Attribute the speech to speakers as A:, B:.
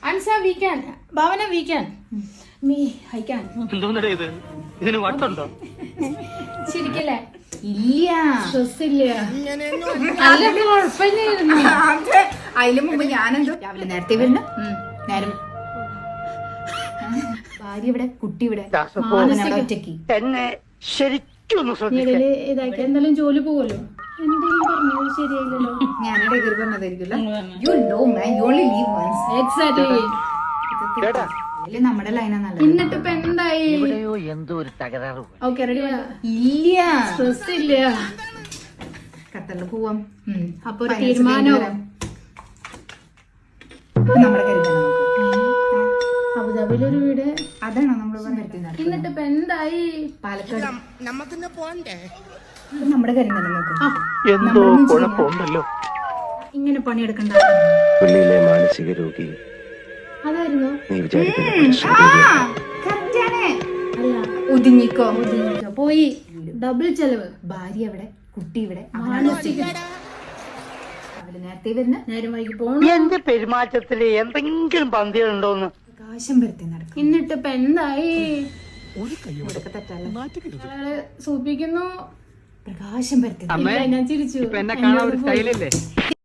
A: അൻസ we can, Bhavana we can, me I can.
B: എന്തോന്നടേ ഇത്? ഇതിന് വട്ടുണ്ടോ?
A: ശരിക്കല്ലേ?
C: ഇല്ല,
A: സ്ട്രെസ് ഇല്ല. അല്ലത് കുഴപ്പമില്ലായിരുന്നു.
C: അതിന് മുമ്പ് ഞാനെന്തോ രാവിലെ നേരത്തെ വരുന്ന നേരം ഭാര്യ ഇവിടെ, കുട്ടി ഇവിടെ, ഒറ്റയ്ക്ക്.
B: എന്നെ ശരിക്കും
A: ഇടയില് ഇതാക്കി എന്തായാലും ജോലി പോവല്ലോ. എന്തെങ്കിലും പറഞ്ഞത് ശരിയായില്ലല്ലോ.
C: ഞാനിടെ കയറി പറഞ്ഞതായിരിക്കുമല്ലോ. You know man, you only live once.
A: Exactly.
C: ഇതില് നമ്മുടെ ലൈനാ നല്ലത്.
A: എന്നിട്ട് ഇപ്പൊ എന്തായി?
B: എന്തോ ഒരു തകരാറ്.
A: Okay ready.
C: ഇല്ല,
A: സ്ട്രെസ് ഇല്ല.
C: ഖത്തറിൽ പോവാം.
A: അപ്പൊ ഒരു തീരുമാനോ?
C: നമ്മുടെ കരുതണം.
A: അബുദാബിയിലൊരു വീട്.
C: അതാണോ നമ്മൾ വരുത്തുന്നത്?
A: എന്നിട്ട് ഇപ്പൊ എന്തായി?
C: പാലക്കാട് നമ്മുടെ കരുതണം നോക്ക്.
B: എന്തോ കുഴപ്പമുണ്ടല്ലോ.
A: ഇങ്ങനെ പണിയെടുക്കണ്ട.
D: പുള്ളിയിലെ മാനസിക രോഗി
A: അതായിരുന്നു.
D: നീ വിചാരിക്കുന്ന
C: കറക്റ്റ് ആണ്.
A: അല്ല,
C: ഒതുങ്ങിക്കോ.
A: പോയി. ഡബിൾ ചെലവ്.
C: ഭാര്യ ഇവിടെ, കുട്ടി ഇവിടെ,
A: മാനസിക.
C: രാവിലെ നേരത്തെ വരുന്ന
A: നേരം വൈകി പോണം.
B: എന്റെ പെരുമാറ്റത്തില് എന്തെങ്കിലും പന്തികളുണ്ടോന്ന്
C: പ്രകാശം വരുത്തി നടക്കും.
A: എന്നിട്ട് ഇപ്പൊ എന്തായി?
C: ഇതൊക്കെ തെറ്റല്ല.
A: അയാള് സൂപ്പിക്കുന്നു.
C: പ്രകാശം വരുത്തി
A: ഇല്ല, ഞാൻ ചിരിച്ചു.
B: എന്നെ കാണാൻ ഒരു സ്റ്റൈലല്ലേ?